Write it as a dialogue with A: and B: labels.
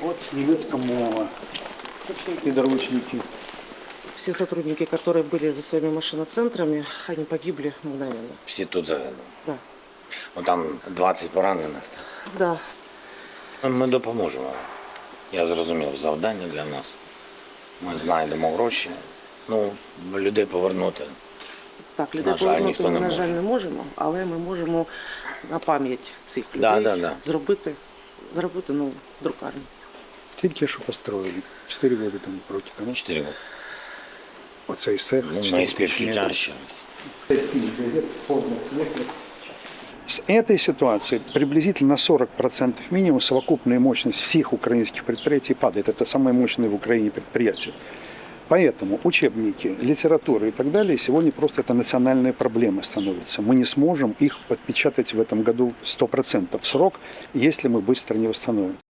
A: Вот немецкая мова. Подручники.
B: Все сотрудники, которые были за своими машиноцентрами, они погибли мгновенно.
C: Всі тут загинули.
B: Да.
C: Ну, там 20 поранених.
B: Да.
C: Ми допоможемо. Я зрозумів, завдання для нас. Ми знайдемо гроші. Ну, людей повернути.
B: Так, людей
C: На жаль,
B: повернути
C: ніхто
B: ми,
C: не
B: на
C: може.
B: жаль, не можемо, але ми можемо на пам'ять цих людей
C: Да.
B: зробити нову друкарню.
A: Тільки що построили. 4 года там протягом.
C: 4 роки.
A: Оцей цех.
C: Ну, мої співчуття ще раз.
A: С этой ситуации приблизительно на 40% минимум совокупная мощность всех украинских предприятий падает. Это самые мощные в Украине предприятия. Поэтому учебники, литература и так далее сегодня просто это национальная проблема становится. Мы не сможем их подпечатать в этом году 100% в срок, если мы быстро не восстановим.